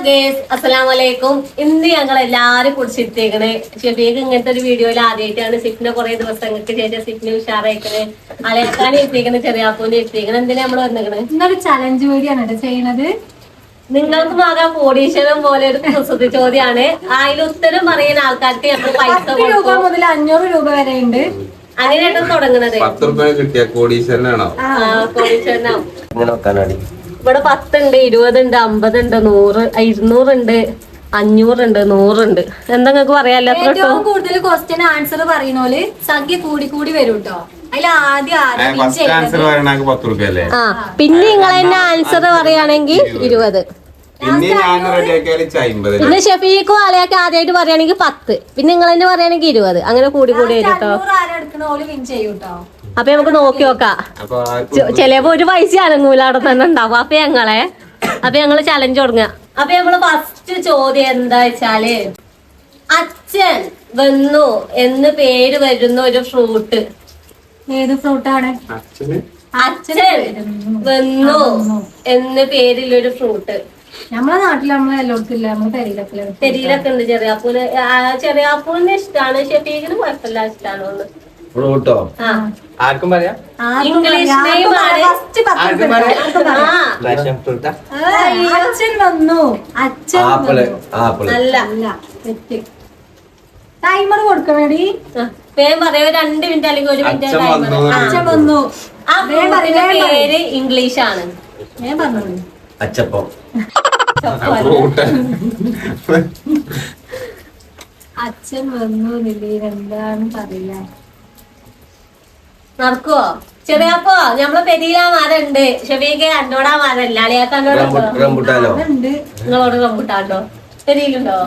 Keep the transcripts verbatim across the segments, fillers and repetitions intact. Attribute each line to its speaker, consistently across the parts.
Speaker 1: Guys അസ്സലാമു അലൈക്കും. ഇന്ന് ഞങ്ങൾ എല്ലാരും കുടിച്ചിട്ടേക്കണ്. ഷെഫീഖ് ഇങ്ങനത്തെ ഒരു വീഡിയോയിൽ ആദ്യമായിട്ടാണ്. സിഫിനെ കുറെ ദിവസങ്ങൾക്ക് ശേഷം സിഫിനെ ഉഷാറായിക്കണ്. അലയക്കാനെ എത്തിക്കണ്, ചെറിയാപ്പൂനെ എത്തിക്കണ്. എന്തിനാ നമ്മള് വന്നിക്കണ്?
Speaker 2: ഇന്നൊരു ചലഞ്ച് വീഡിയോ ആണ് ചെയ്യണത്.
Speaker 1: നിങ്ങൾക്ക് ആകാൻ കോടീശ്വരം പോലെ ഒരു കുസൃതി ചോദ്യമാണ്. അതിൽ ഉത്തരം പറയുന്ന ആൾക്കാർക്ക് നമ്മൾ പൈസ
Speaker 2: രൂപ മുതൽ അഞ്ഞൂറ് രൂപ വരെ ഉണ്ട്.
Speaker 1: അങ്ങനെയാണ് തുടങ്ങുന്നത്.
Speaker 3: പത്ത് രൂപ കിട്ടിയ കോടീശ്വരനാണോ?
Speaker 1: കോടീശ്വരനാവും. ഇവിടെ പത്തുണ്ട്, ഇരുപതുണ്ട്, അമ്പതുണ്ട്, നൂറ്, ഇരുന്നൂറുണ്ട്, അഞ്ഞൂറുണ്ട്, നൂറുണ്ട്. എന്താ നിങ്ങൾക്ക് പറയാല്ലോ?
Speaker 2: ഏറ്റവും കൂടുതൽ ക്വസ്റ്റ്യൻ ആൻസർ പറയുന്നോല് സംഖ്യ കൂടി കൂടി വരും കേട്ടോ. അതിൽ ആദ്യം
Speaker 3: ആൻസർ പറയണ പത്ത് രൂപ അല്ലേ?
Speaker 1: ആ പിന്നെ നിങ്ങൾ തന്നെ ആൻസർ പറയുകയാണെങ്കിൽ ഇരുപത്.
Speaker 3: പിന്നെ ഞാൻ റെഡിയാക്കിയാൽ അമ്പത്.
Speaker 1: പിന്നെ ഷെഫീഖും ആളെയൊക്കെ ആദ്യമായിട്ട് പറയുകയാണെങ്കിൽ പത്ത്. പിന്നെ നിങ്ങൾ തന്നെ പറയുകയാണെങ്കിൽ ഇരുപത്. അങ്ങനെ കൂടി കൂടി വരും കേട്ടോ.
Speaker 2: വിൻ ചെയ്യും കേട്ടോ.
Speaker 1: അപ്പൊ നമുക്ക് നോക്കി നോക്കാം. ചിലപ്പോ ഒരു പൈസ അനങ്ങൂല അവിടെ തന്നെ ഉണ്ടാവും. അപ്പൊ ഞങ്ങളെ അപ്പൊ ഞങ്ങള് ചലഞ്ച് തുടങ്ങുക. അപ്പൊ നമ്മള് ഫസ്റ്റ് ചോദ്യം എന്താ വെച്ചാല്, അച്ഛൻ വന്നു എന്ന് പേര് വരുന്ന ഒരു ഫ്രൂട്ട്
Speaker 2: ഏത് ഫ്രൂട്ടാണ്?
Speaker 1: അച്ഛൻ വന്നു എന്ന് പേരിലൊരു ഫ്രൂട്ട്.
Speaker 2: നമ്മളെ നാട്ടിൽ നമ്മളെ എല്ലായിടത്തില്ല, നമ്മളെ പെരിയിലൊക്കെ
Speaker 1: പെരിയിലൊക്കെ ഉണ്ട്. ചെറിയാപ്പൂന് ചെറിയാപ്പൂന് ഇഷ്ടാണ്, ഷെഫീഖിന് കുഴപ്പമില്ല, ഇഷ്ടാണോന്ന്.
Speaker 3: ഫ്രൂട്ടോ ആർക്കും പറയാം.
Speaker 1: ഇംഗ്ലീഷ് നെയിം ആണ്.
Speaker 2: അച്ഛൻ വന്നു. അച്ഛൻ
Speaker 1: അല്ല,
Speaker 2: ടൈമർ കൊടുക്കണേടി.
Speaker 1: വേഗം പറയാം. രണ്ട് മിനിറ്റ് അല്ലെങ്കിൽ ഒരു മിനിറ്റ്.
Speaker 2: അച്ഛൻ വന്നു.
Speaker 1: ആ പേര് ഇംഗ്ലീഷ് ആണ്.
Speaker 2: ഞാൻ പറഞ്ഞു
Speaker 4: അച്ചപ്പം.
Speaker 2: അച്ഛൻ വന്നു നിലയിൽ എന്താണ് പറയാ?
Speaker 1: നടക്കുവോ? ചെറിയപ്പോ ഞമ്മളെ പെരിയിലാ മരം ഉണ്ട്. ഷെഫീഖ് അന്നോടാ മരല്ല, അളിയാക്ക
Speaker 2: ഉണ്ട്.
Speaker 1: നിങ്ങളോട് റംബുട്ടാണ്ടോ? പെരിയിലുണ്ടോ?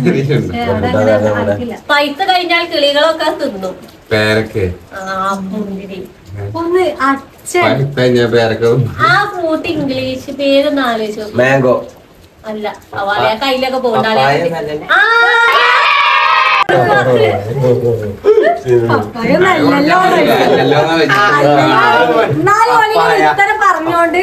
Speaker 1: പൈസ കഴിഞ്ഞാൽ കിളികളൊക്കെ തിന്നും.
Speaker 3: പേരക്ക്
Speaker 1: ആ മുന്തിരി.
Speaker 2: ഒന്ന് അച്ഛൻ
Speaker 3: പേരക്ക്.
Speaker 1: ആ ഫ്രൂട്ട് ഇംഗ്ലീഷ് പേരൊന്നും ആലോചിച്ചു.
Speaker 4: മാംഗോ
Speaker 1: അല്ല, അവളെ കയ്യിലൊക്കെ പോകണ്ട.
Speaker 2: പറഞ്ഞോണ്ട്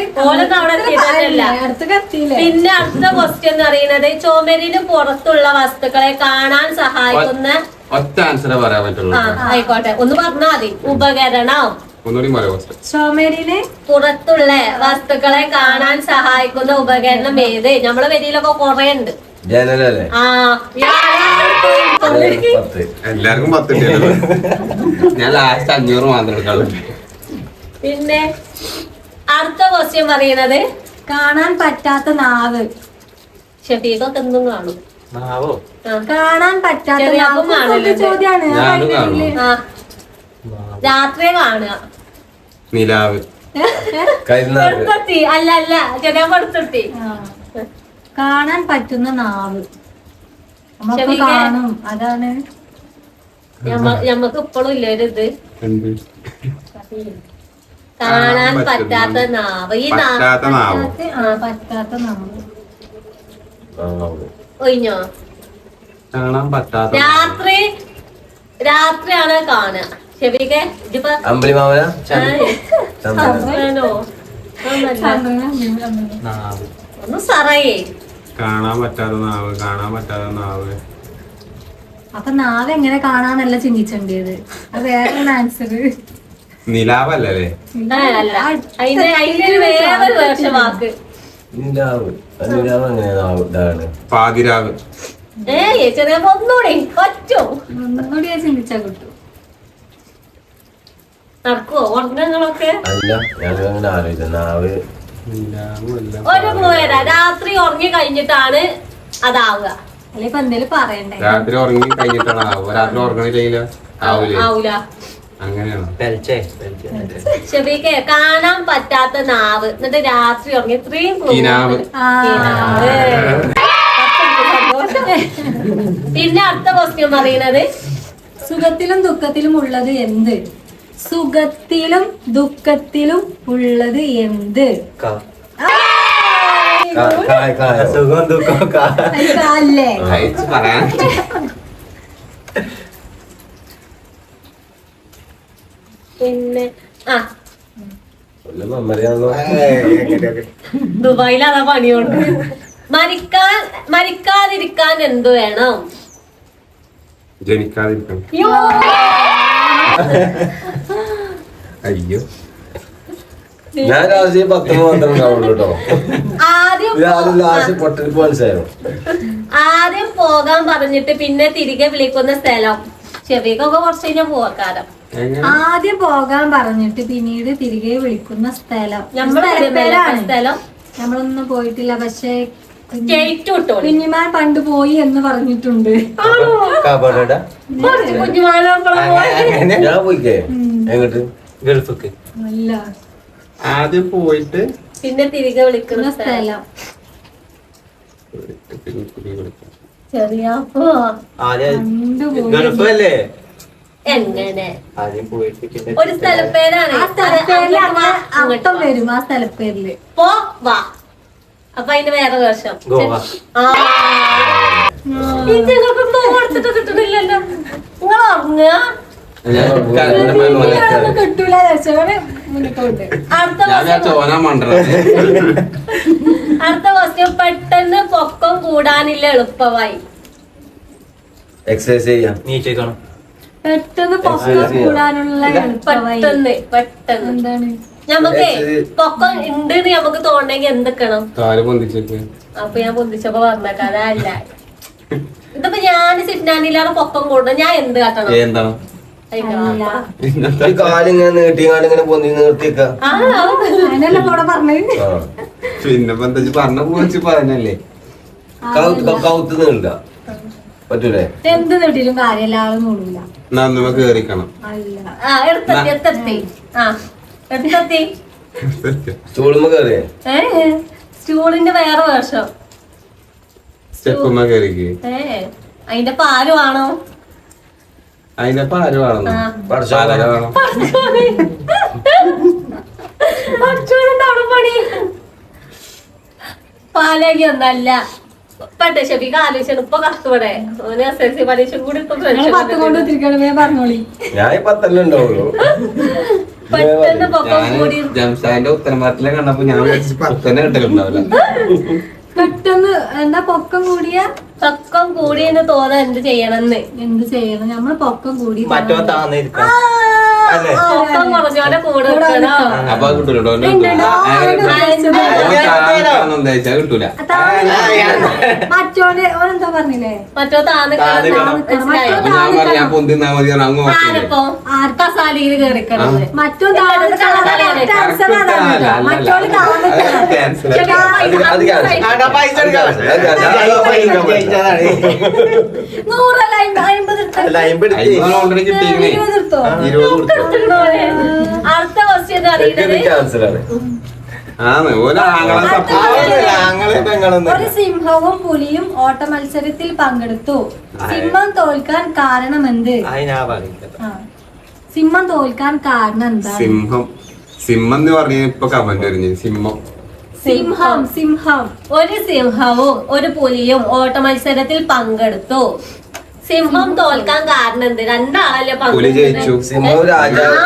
Speaker 1: പിന്നെ അടുത്ത ക്വസ്റ്റ്യൻ എന്ന് പറയുന്നത്, ചുമരിന് പുറത്തുള്ള വസ്തുക്കളെ കാണാൻ സഹായിക്കുന്ന
Speaker 3: ഒറ്റ ആൻസറേ പറയാൻ പറ്റുള്ളൂ.
Speaker 1: ആയിക്കോട്ടെ, ഒന്ന് പറഞ്ഞാൽ മതി. ഉപകരണം.
Speaker 2: ചുമരിന്
Speaker 1: പുറത്തുള്ള വസ്തുക്കളെ കാണാൻ സഹായിക്കുന്ന ഉപകരണം ഏത്? നമ്മളെ വരിയിലൊക്കെ കൊറേ ഉണ്ട്.
Speaker 4: ജനലല്ലേ?
Speaker 1: ആ
Speaker 3: എല്ലാവർക്കും പത്ത്. ഞാൻ ലാസ്റ്റ് അഞ്ഞൂറ് മാത്രം എടുക്കാളൂ.
Speaker 1: പിന്നെ അടുത്ത ക്വസ്റ്റ്യൻ പറയുന്നത്,
Speaker 2: കാണാൻ പറ്റാത്ത നാവ്.
Speaker 1: ഷെഫീഖൊക്കെ എന്തും കാണും.
Speaker 2: കാണാൻ പറ്റാത്ത ചോദ്യാണ്.
Speaker 1: രാത്രി കാണുക.
Speaker 3: നിലാവ്.
Speaker 1: എടുത്തെത്തി. അല്ല അല്ല ചെറിയ എടുത്തെത്തി.
Speaker 2: കാണാൻ പറ്റുന്ന നാവ് നമുക്ക് കാണും. അതാണ്
Speaker 1: ഞമ്മക്ക് ഇപ്പോഴും ഇല്ല ഒരു ഇത്. കാണാൻ പറ്റാത്ത നാവ്. ഈ
Speaker 3: പറ്റാത്ത നാവ്.
Speaker 2: പറ്റാത്ത നാവ്
Speaker 1: ഒഴിഞ്ഞോ?
Speaker 3: കാണാൻ പറ്റാത്ത
Speaker 1: രാത്രി രാത്രിയാണ് കാണുക. ഷെഫീഖേ ഇതിപ്പോ
Speaker 4: അമ്പലിമാവനോ
Speaker 1: ഒന്ന് സറയേ.
Speaker 3: കാണാൻ പറ്റാത്ത നാവ്. കാണാൻ പറ്റാത്ത നാവ്.
Speaker 2: അപ്പൊ നാവ് എങ്ങനെ കാണാന്നല്ല ചിന്തിച്ചേണ്ടത്. അത് വേറെ ആൻസർ.
Speaker 3: നിലാവല്ലേ?
Speaker 1: അല്ല, അതിന്റെ അതിന്റെ വേറൊരു വേർഷൻ വാക്ക്.
Speaker 4: നിലാവ്. നിലാവ് എങ്ങനെയാണ്?
Speaker 3: പാതിരാവ്.
Speaker 1: ഏ ചെറിയ ഒന്നുകൂടി പറ്റോ?
Speaker 2: ഒന്നുകൂടി ചിന്തിച്ചാ കിട്ടും.
Speaker 1: നടക്കുവോ ഉറങ്ങങ്ങളൊക്കെ?
Speaker 4: അല്ല, ഞാനങ്ങനെ ആലോചിച്ച നാവ്.
Speaker 1: ഒരു പോയരാ. രാത്രി ഉറങ്ങി കഴിഞ്ഞിട്ടാണ് അതാവുക.
Speaker 2: അല്ലെ ഇപ്പൊ എന്തേലും പറയണ്ടേ?
Speaker 3: രാത്രി ഉറങ്ങി കഴിഞ്ഞിട്ടാണ് ആവുക. രാത്രി ഉറങ്ങണില്ല
Speaker 1: ആവൂല.
Speaker 3: അങ്ങനെയാണോ?
Speaker 1: ഷെഫീഖേ കാണാൻ പറ്റാത്ത നാവ്, എന്നിട്ട് രാത്രി ഉറങ്ങി. ഇത്രയും പിന്നെ അടുത്ത ക്വസ്റ്റ്യൻ പറയുന്നത്,
Speaker 2: സുഖത്തിലും ദുഃഖത്തിലും ഉള്ളത് എന്ത്? സുഖത്തിലും ദുഃഖത്തിലും ഉള്ളത് എന്ത്?
Speaker 4: സുഖം ദുഃഖം
Speaker 2: അല്ലേ?
Speaker 3: പറയാൻ
Speaker 1: പിന്നെ ആ
Speaker 4: മെമ്മറിയാണല്ലോ.
Speaker 1: ദുബായിൽ അതാ പണിയുണ്ട്. മരിക്കാൻ മരിക്കാതിരിക്കാൻ എന്തു വേണം?
Speaker 3: ജനിക്കാതിരിക്കണം.
Speaker 1: യോ.
Speaker 3: അയ്യോ
Speaker 4: ഞാൻ രാശി പത്ത് മാത്രം ഉണ്ടാവുള്ളൂ കേട്ടോ.
Speaker 1: ആദ്യം
Speaker 4: ആദ്യം ലാസ്റ്റ് പൊട്ടലിപ്പ് മനസ്സിലായോ?
Speaker 1: ആദ്യം പോകാൻ പറഞ്ഞിട്ട് പിന്നെ തിരികെ വിളിക്കുന്ന സ്ഥലം. ചെവിക്കൊക്കെ കുറച്ച് കഴിഞ്ഞാൽ പോകാരം.
Speaker 2: ആദ്യം പോകാൻ പറഞ്ഞിട്ട് പിന്നീട് തിരികെ വിളിക്കുന്ന സ്ഥലം.
Speaker 1: നമ്മള്
Speaker 2: സ്ഥലപ്പേരാണ്.
Speaker 1: സ്ഥലം
Speaker 2: നമ്മളൊന്നും പോയിട്ടില്ല, പക്ഷേ
Speaker 1: സ്റ്റേറ്റ് വിട്ടോളൂ.
Speaker 2: കുഞ്ഞിമാൻ പണ്ട് പോയി എന്ന് പറഞ്ഞിട്ടുണ്ട്.
Speaker 4: കാപ്പാടാ
Speaker 1: കുറച്ച് കുഞ്ഞുമാനോളം പോയി.
Speaker 4: ഞാൻ പോയിക്കേ എങ്ങോട്ട് ഗൾഫിക്ക്.
Speaker 2: അല്ല,
Speaker 3: ആദ്യം പോയിട്ട്
Speaker 1: പിന്നെ തിരികെ വിളിക്കുന്ന സ്ഥലം. ചെറിയ
Speaker 4: ഗൾഫല്ലേ
Speaker 1: എങ്ങനെ
Speaker 4: ആദ്യം പോയിട്ട്
Speaker 1: ഒരു സ്ഥലപ്പേരാണ്.
Speaker 2: ആ സ്ഥലപ്പേരില് അങ്ങനെ അർത്ഥം വരും. ആ സ്ഥലപ്പേരില്
Speaker 1: പോ വാ. അപ്പൊ അതിന് വേറെ വേഷം.
Speaker 4: ഗോവ.
Speaker 1: കൊടുത്തിട്ട് കിട്ടണില്ലല്ലോ. നിങ്ങൾ ഉറങ്ങുക.
Speaker 2: കിട്ടൂല രക്ഷകന് മുന്നിട്ടുണ്ട്.
Speaker 1: അടുത്ത
Speaker 3: ഞാൻ
Speaker 1: ക്വസ്റ്റ്യൻ
Speaker 3: ചോനാ മണ്ടറ.
Speaker 1: അടുത്ത ക്വസ്റ്റ്യൻ പെട്ടെന്ന് പൊക്കം കൂടാനില്ല എളുപ്പമായി.
Speaker 4: എക്സസൈസ് ചെയ്യാം.
Speaker 5: നീച്ചേക്കണം.
Speaker 2: പെട്ടെന്ന് പൊക്കം കൂടാനുള്ള എളുപ്പമായി.
Speaker 1: പെട്ടെന്ന് പെട്ടെന്ന്
Speaker 2: എന്താണ്?
Speaker 1: ഞമ്മക്ക് പൊക്കം ഉണ്ട് നമുക്ക് തോന്നണമെങ്കിൽ എന്തൊക്കണം?
Speaker 3: കാല് പൊന്തിച്ചേക്ക്.
Speaker 1: അപ്പൊ ഞാൻ പൊന്തിച്ചപ്പോ പറഞ്ഞേക്കാം. അതല്ല ഇതിപ്പോ ഞാൻ സിറ്റ്നാനിലാണ് പൊക്കം കൂടുന്നത്. ഞാൻ എന്ത് കാട്ടണം?
Speaker 3: എന്താണ്
Speaker 2: അല്ല,
Speaker 4: കാലിങ്ങനെ നീട്ടി കാലിങ്ങനെ പൊന്തി നിർത്തിക്ക.
Speaker 1: ആ
Speaker 2: അതിനല്ല കൂടെ പറഞ്ഞത്.
Speaker 3: പിന്നെ എന്താ പറഞ്ഞ പോച്ച് പറഞ്ഞല്ലേ.
Speaker 4: കൗത്ത് നീണ്ട പറ്റൂലേ?
Speaker 2: എന്ത് നീട്ടിലും കാര്യമില്ല, ആള് മൂടില്ല.
Speaker 3: നന്നുമ കേറിക്കണം.
Speaker 2: അല്ല,
Speaker 1: ആ എടുത്തെത്തി എടുത്തെത്തി ആ എടുത്തെത്തി.
Speaker 4: സ്റ്റൂളുമ്പോ കേറിയേ
Speaker 1: ഏ സ്റ്റൂളിന്റെ വേറെ വേഷം.
Speaker 3: സ്റ്റെപ്പുമ്മ കേറിക്ക്.
Speaker 1: ഏ അതിന്റെ പാല് വേണോ?
Speaker 3: അതിനപ്പ ആര് വേണം?
Speaker 1: ആ.
Speaker 3: പാലര വേണം.
Speaker 1: പണി പാലേകി ഒന്നല്ല. പട്ടെ ഷെബിക്ക് ആലോചിച്ചാണ് ഇപ്പൊ കഷ്ടപ്പെടെ. ഓന് എസ് എൽ സി പരീക്ഷ കൂടി ഇപ്പൊ
Speaker 2: നിങ്ങള് പത്ത് കൊണ്ട് തിരിക്കണമേ പറഞ്ഞോളി.
Speaker 4: ഞാൻ പത്തല്ലേ ഉണ്ടാവുള്ളൂ.
Speaker 1: പെട്ടെന്ന് പൊക്കം
Speaker 3: ഞാൻ
Speaker 1: കൂടി
Speaker 3: ജംഷാന്റെ ഉത്തരമാറ്റിലെ കണ്ടപ്പോ ഞാൻ വിചാരിച്ചു പത്തന്നെ കിട്ടലുണ്ടാവില്ല.
Speaker 2: പെട്ടെന്ന് എന്താ പൊക്കം കൂടിയ
Speaker 1: പൊക്കം കൂടി എന്ന് തോന്നാൻ എന്ത് ചെയ്യണമെന്ന്.
Speaker 2: എന്ത് ചെയ്യണം? നമ്മള് പൊക്കം കൂടി
Speaker 5: മറ്റോ താന്നിരിക്കണം. അല്ലേ?
Speaker 1: പൊക്കം കുറഞ്ഞോടെ കൂടെ നിൽക്കണോ?
Speaker 3: അപ്പൊ അത് കിട്ടൂലോ. ഉദ്ദേശിച്ചാ കിട്ടൂല.
Speaker 2: മറ്റോടെ ഓനെന്താ പറഞ്ഞില്ലേ?
Speaker 1: മറ്റോ താന്ന്
Speaker 5: താന്നിക്കണം.
Speaker 1: മനസ്സിലായോ?
Speaker 3: അപ്പൊ ഞാൻ പറയാ ഞാൻ പൊന്തിന്നാ മതി അങ്ങ് നോക്കില്ലേ.
Speaker 1: ആരപ്പോ ആർക്കസാലിയിൽ കേറിക്കണം.
Speaker 2: മറ്റോ താഴെ മറ്റോട് താഴെ
Speaker 4: അത്
Speaker 5: ആടാ പൈസ എടുക്കാം.
Speaker 4: ക്യാൻസൽ.
Speaker 2: നൂറല്ല അമ്പത്
Speaker 5: അല്ല, അയിമ്പത് എടുത്ത്.
Speaker 3: ഓൾറെഡി കിട്ടിയില്ലേ.
Speaker 2: ഇരുപത് എടുത്തോ?
Speaker 3: ഇരുപത് കൊടുത്തു.
Speaker 1: അടുത്ത ക്വസ്റ്റ്യൻ അറിയുന്നത്
Speaker 4: ക്യാൻസലാണ്.
Speaker 3: ആണ് ഓരോ ആങ്ങളെ സപ്പോർട്ട്.
Speaker 5: ആവണില്ല, ആങ്ങളെ പെങ്ങളൊന്നും
Speaker 2: ഒരു സിംഹവും പുലിയും ഓട്ട മത്സരത്തിൽ പങ്കെടുത്തു. സിംഹം തോൽക്കാൻ കാരണം എന്ത്?
Speaker 5: അതിനാ പറയുന്നത്.
Speaker 2: ആ. സിംഹം തോൽക്കാൻ കാരണം എന്താണ്?
Speaker 3: സിംഹം സിംഹം എന്ന് പറഞ്ഞ ഇപ്പൊ കമന്റ് വരുന്നു. സിംഹം
Speaker 2: സിംഹം സിംഹം
Speaker 1: ഒരു സിംഹവും ഒരു പുലിയും ഓട്ട മത്സരത്തിൽ പങ്കെടുത്തു. സിംഹം തോൽക്കാൻ കാരണം എന്ത്? രണ്ടാളല്ലേ
Speaker 3: പുലി ജയിച്ചു.
Speaker 4: സിംഹം രാജാവ്.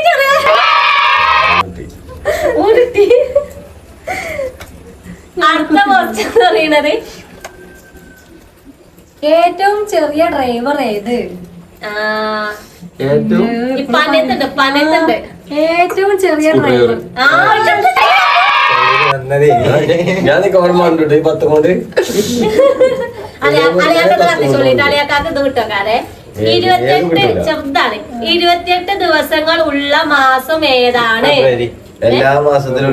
Speaker 1: അടുത്ത ക്വസ്റ്റ്യൻ പറയുന്നത്
Speaker 2: ഏറ്റവും ചെറിയ ഡ്രൈവർ ഏത്?
Speaker 1: ആ
Speaker 3: ഏറ്റവും
Speaker 1: ഈ പനത്തുണ്ട് പനത്തുണ്ട്
Speaker 2: ഏറ്റവും ചെറിയ ഡ്രൈവർ.
Speaker 1: ആ
Speaker 5: വന്നതേ.
Speaker 4: ഞാൻ ഓർമ്മ കണ്ടിട്ട് ഈ പത്ത് കൊണ്ട്
Speaker 1: അളിയാക്കത്ത് കത്തിച്ചോളിട്ട് അളിയാക്കാക്ക് ഇത് കിട്ടോക്കാരെ. ഇരുപത്തിയെട്ട് ചെറുതാണ്. ഇരുപത്തിയെട്ട് ദിവസങ്ങൾ ഉള്ള മാസം ഏതാണ്?
Speaker 5: ഫെബ്രുവരി.
Speaker 4: എല്ലാ മാസത്തിലും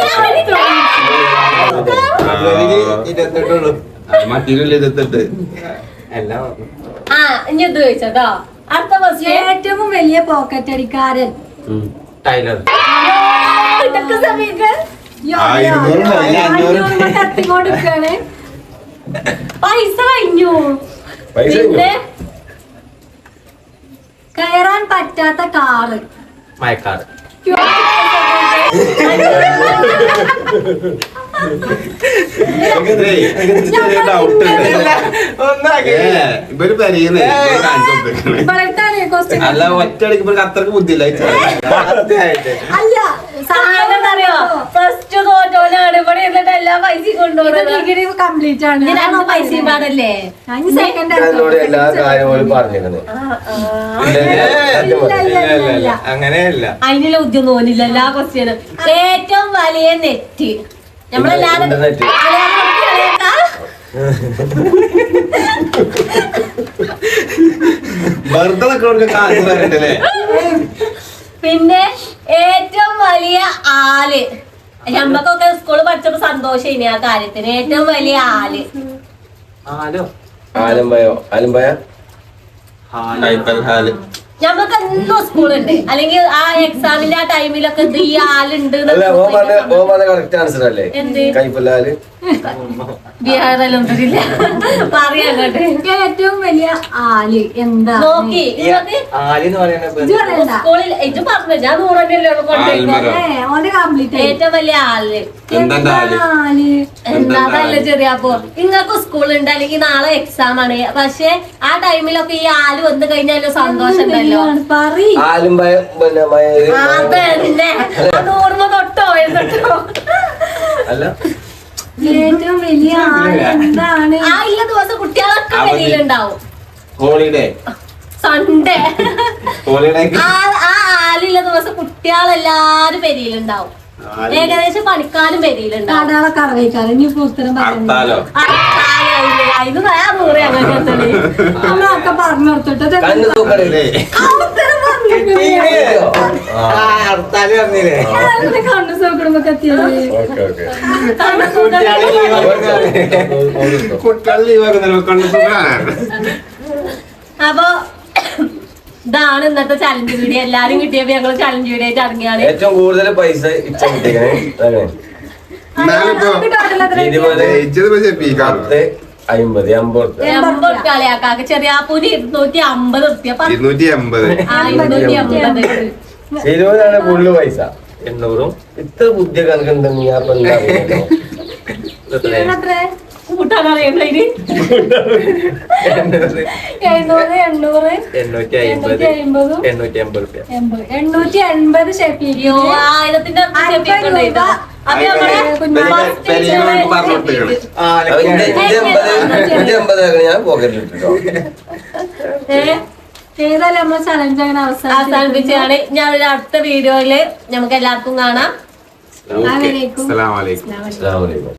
Speaker 5: ഫെബ്രുവരി ഇരുപത്തെട്ടുള്ളൂ.
Speaker 3: മറ്റൊരു ഇരുപത്തെട്ട്.
Speaker 5: എല്ലാം
Speaker 1: ആ ഇനി ഇത് ചോദിച്ചോ. അടുത്ത ക്വസ്റ്റ്യൻ
Speaker 2: ഏറ്റവും വലിയ പോക്കറ്റ് അടിക്കാരൻ.
Speaker 5: ടൈലർ.
Speaker 1: ഇതൊക്കെ സമയത്ത്
Speaker 2: കത്തിക്കൊണ്ടിരിക്കാണ്.
Speaker 1: പൈസ കഴിഞ്ഞു.
Speaker 4: പൈസ
Speaker 1: പിന്നെ
Speaker 2: കയറാൻ പറ്റാത്ത കാറ്.
Speaker 5: മയക്കാട്.
Speaker 3: ഇവര് പെരയുന്നേ കാണിച്ചു കൊടുത്തേക്കണേ.
Speaker 2: ഇപ്പോഴത്താണ് ക്വസ്റ്റ്യൻ.
Speaker 3: അല്ല ഒറ്റയടിക്ക് ഇവർക്ക് അത്രക്ക് ബുദ്ധിയില്ല.
Speaker 2: അല്ല
Speaker 1: അറിയോ ഫസ്റ്റ് തോറ്റോനാണ് ഇവിടെ ഇരുന്നിട്ട് എല്ലാം പൈസ കൊണ്ടുപോകുന്നത്
Speaker 2: ഡിഗ്രി കംപ്ലീറ്റ് ആണ്
Speaker 1: ഇനി രണ്ട് പൈസയും പാടല്ലേ
Speaker 2: സെക്കൻഡ്
Speaker 4: എന്നോട് എല്ലാ കാര്യങ്ങളും പറഞ്ഞിരുന്നു
Speaker 5: അങ്ങനെയല്ല.
Speaker 1: അതിനുള്ള ഉദ്യം തോന്നില്ല എല്ലാ ക്വസ്റ്റ്യനും. ഏറ്റവും വലിയ നെറ്റ് നമ്മളെല്ലാരും
Speaker 4: ഇന്റർനെറ്റ്.
Speaker 3: വെറുതെ നിൽക്കണവർക്ക് കാശ് തരണ്ടല്ലേ.
Speaker 1: പിന്നെ ഏറ്റവും വലിയ ആല് ഞമ്മക്കൊക്കെ സ്കൂളിൽ പഠിച്ചപ്പോ സന്തോഷം ആ കാര്യത്തിന്. ഏറ്റവും വലിയ ആല്
Speaker 5: ആലോ
Speaker 4: ആലമ്പയോ ആലമ്പയ
Speaker 3: കൈപ്പൽ ഹാല്
Speaker 1: ഞമ്മക്ക് എന്നും സ്കൂളുണ്ട്. അല്ലെങ്കിൽ ആ എക്സാമിന്റെ ആ ടൈമിലൊക്കെ ഇത് ഈ ആളുണ്ട്
Speaker 4: അല്ല ഓ പറഞ്ഞ ഓ പറഞ്ഞ കറക്റ്റ് ആൻസർ അല്ലേ
Speaker 1: എന്ത്
Speaker 4: കൈപ്പല്ലാല്
Speaker 1: ബിഹാറിലൊന്നുമില്ല പറയാങ്ങോട്ട്.
Speaker 2: ഏറ്റവും വലിയ ആല് എന്താ
Speaker 1: നോക്കി ഇങ്ങക്ക്
Speaker 5: ആലെന്ന് പറയുന്നത്
Speaker 1: സ്കൂളിൽ ഇത് പറഞ്ഞു ഞാൻ നൂറല്ലേ കൊണ്ടുപോയി.
Speaker 2: ഓന്റെ കംപ്ലീറ്റ്
Speaker 1: ഏറ്റവും വലിയ ആള്
Speaker 3: എന്താ ഹാല്
Speaker 2: ആല്
Speaker 1: എന്താ നല്ല ചെറിയ അപ്പൊ നിങ്ങൾക്ക് സ്കൂളുണ്ട് അല്ലെങ്കിൽ നാളെ എക്സാം ആണ്. പക്ഷെ ആ ടൈമിലൊക്കെ ഈ ആല് വന്നു കഴിഞ്ഞാൽ സന്തോഷം ഉണ്ടല്ലോ.
Speaker 2: പറയ്
Speaker 4: ആലുംബയ പിന്നെ മയ-
Speaker 1: അതന്നെ അത് ഓർമ്മ തൊട്ടോ തൊട്ടോ
Speaker 4: അല്ല
Speaker 2: ഏറ്റവും വലിയ ആല് എന്താണ്
Speaker 1: ആ ഇല്ല ദിവസം കുട്ടികളൊക്കെ വെളിയിലുണ്ടാവും.
Speaker 3: ഹോളിഡേ
Speaker 1: സൺഡേ
Speaker 3: ഹോളിഡേ
Speaker 1: ആ ആ ആലില്ല ദിവസം കുട്ടികളെല്ലാരും പെരിയിലുണ്ടാവും. ഏകദേശം പണിക്കാരും പെരിയിലുണ്ടാവും.
Speaker 2: കടകളൊക്കെ അറിയിക്കാറ് ഇനി ഇപ്പൊ ഉത്തരം പറയുന്നത്
Speaker 3: ഹർത്താലോ
Speaker 1: അതിന് നയാ നൂറ് അങ്ങനെ
Speaker 2: നമ്മളൊക്കെ പറഞ്ഞു കൊടുത്തിട്ട്
Speaker 4: കണ്ണു തൂക്കണില്ലേ
Speaker 2: ഉത്തരം പറഞ്ഞു
Speaker 5: ഹർത്താല് പറഞ്ഞില്ലേ
Speaker 2: കണ്ണു സൗകര്യമൊക്കെ എത്തിയത്
Speaker 4: ഓക്കെ ഓക്കെ
Speaker 3: കുട്ടികൾ ലീവാക്കുന്നല്ലോ കണ്ടു.
Speaker 1: അപ്പൊ ഇതാണ് ഇന്നത്തെ ചലഞ്ച് വീഡിയോ. എല്ലാരും കിട്ടിയപ്പോ ഞങ്ങള് ചലഞ്ച് വീഡിയോ ആയിട്ട് ഇറങ്ങിയാണ്.
Speaker 4: ഏറ്റവും കൂടുതൽ പൈസ ഇച്ച കിട്ടിക്കണേ
Speaker 3: എന്നാലിപ്പോ
Speaker 4: ഇരുപത്
Speaker 3: ജയിച്ചത് പക്ഷേ പീക്കാണ്.
Speaker 4: പത്ത് അമ്പത് അമ്പത്
Speaker 1: എൺപത് കളിയാക്കാക്ക് ചെറിയ പൂരി ഇരുന്നൂറ്റി അമ്പത് റുപ്യ
Speaker 3: ഇരുന്നൂറ്റി എൺപത്
Speaker 1: ആ ഇരുന്നൂറ്റി അമ്പത്
Speaker 4: ഇരുപതാണ് ഫുള്ള് പൈസ.
Speaker 5: എണ്ണൂറും
Speaker 4: ഇത്ര ബുദ്ധി കണക്കുണ്ടെന്ന് ഞാൻ ഇപ്പൊ എന്താ അറിയുന്നത്?
Speaker 2: എത്രേ
Speaker 1: കൂട്ടാൻ അറിയണ്ടതിന്
Speaker 2: എഴുന്നൂറ് എണ്ണൂറ്
Speaker 5: എണ്ണൂറ്റി അമ്പത്
Speaker 2: എണ്ണൂറ്റി അമ്പതും
Speaker 5: എണ്ണൂറ്റി അമ്പത് റുപ്യ
Speaker 2: എൺപത് എണ്ണൂറ്റി എൺപത്
Speaker 1: അയ്യോ ആയിരത്തിന്റെ ഷെപ്പിക്കുണ്ടായിട്ടോ. അപ്പൊ നമ്മളെ
Speaker 3: പെരിയവർക്ക് പറഞ്ഞു കൊടുത്തേക്കണ്.
Speaker 4: അപ്പൊ ഇന്റെ ഇന്റെ എൺപത് ഇന്റെ എൺപത് ഞാൻ പോക്കറ്റിൽ ഇട്ടിട്ടോ.
Speaker 2: ഏതായാലും നമ്മളെ ചലഞ്ച് അങ്ങനെ അവസാനം
Speaker 1: അവസാനിപ്പിച്ചാണ്. ഞാൻ ഒരു അടുത്ത വീഡിയോയില് നമുക്ക് എല്ലാവർക്കും കാണാം.
Speaker 3: ഓക്കെ അസ്സലാമു അലൈക്കും.
Speaker 4: അസ്സലാമു അലൈക്കും.